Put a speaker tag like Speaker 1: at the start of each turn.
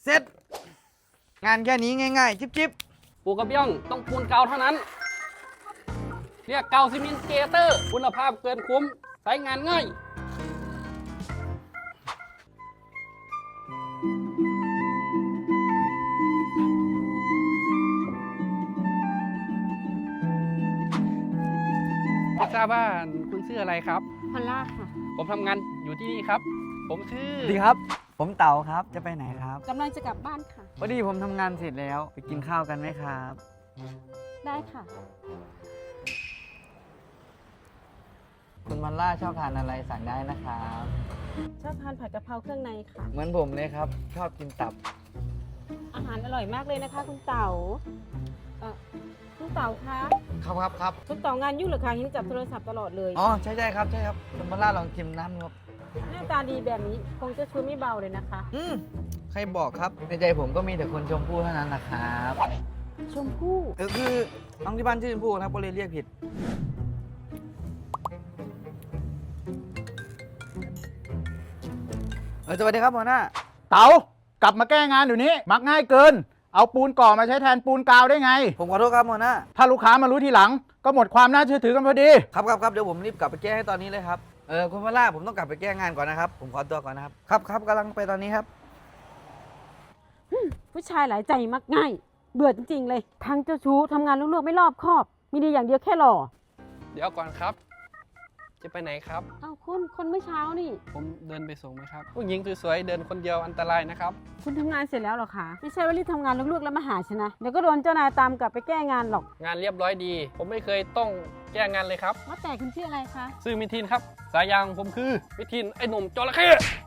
Speaker 1: เสร็จงานแค่นี้ง่ายๆจิ๊บ
Speaker 2: ปูกระเบื้องต้องปูนเก่าเท่านั้นเรียกเก่าซีเมนต์เกเตอร์คุณภาพเกินคุ้มใช้งานง่ายไม่ทราบว่าคุณชื่ออะไรครับ
Speaker 3: พอลล่าค่ะ
Speaker 2: ผมทำงานอยู่ที่นี่ครับ ผมชื่อ
Speaker 1: ๆดีครับ ผมเต๋าครับจะไปไหนครับ
Speaker 3: กำลังจะกลับบ้านค่ะ
Speaker 1: พอดีผมทำงานเสร็จแล้วไปกินข้าวกันไหมครับ
Speaker 3: ได้ค่ะ
Speaker 1: คุณมันล่าชอบทานอะไรสั่งได้นะครับ
Speaker 3: ชอบทานผัดกะเพราเครื่องในค่ะ
Speaker 1: เหมือนผมเลยครับ ชอบกินตับ
Speaker 3: อาหารอร่อยมากเลยนะคะ คุณเต๋าคุณเต๋าคะ
Speaker 1: ครับ
Speaker 3: คุณเต๋างานยุ่งเหรือคะเห็นจับโทรศัพท์ตลอดเลย
Speaker 1: อ๋อใช่ครับคุณมันล่าลองชิมน้ำครับ
Speaker 3: หน้าตาดีแบบนี้คงจะช่วยไม่เบาเลยนะคะ
Speaker 1: ใครบอกครับในใจผมก็มีแต่คนชมพู่เท่านั้นนะครับ
Speaker 3: ชมพู่
Speaker 1: คือน้องที่บ้านชื่อชมพู่นะครับก็เลยเรียกผิดสวัสดีครับหัวหน้า
Speaker 4: เต๋ากลับมาแก้งานเดี๋ยวนี้มักง่ายเกิน เอาปูนก่อมาใช้แทนปูนกาวได้ไง
Speaker 1: ผมขอโทษครับหัวหน้า
Speaker 4: ถ้าลูกค้ามารู้ทีหลัง ก็หมดความน่าเชื่อถือกันพอดี
Speaker 1: ครับเดี๋ยวผมรีบกลับไปแก้ให้ตอนนี้เลยครับคุณพล่าผมต้องกลับไปแก้งานก่อนนะครับผมขอตัวก่อนนะครับครับกำลังไปตอนนี้ครับ
Speaker 3: ผู้ชายหลายใจมักง่าย เบื่อจริงๆเลย ทั้งเจ้าชู้ทำงานลูกๆไม่รอบคอบ มีดีอย่างเดียวแค่หล่อ
Speaker 2: เดี๋ยวก่อนครับ จะไปไหนครับ
Speaker 3: เอาคนเมื่อเช้านี่
Speaker 2: ผมเดินไปส่งไหมครับ ผู้หญิงสวยๆเดินคนเดียวอันตรายนะครับ
Speaker 3: คุณทำงานเสร็จแล้วเหรอคะ ไม่ใช่ว่ารีบทำงานลูกๆแล้วมาหาฉันนะ เดี๋ยวก็โดนเจ้านายตามกลับไปแก้งานหรอก
Speaker 2: งานเรียบร้อยดี ผมไม่เคยต้องแก้งานเลยครับ
Speaker 3: ว่าแต่คุณชื่ออะไรคะ
Speaker 2: ชื่อมิทินครับ สายยางผมคือมิทินไอ้หนุ่มจระเข้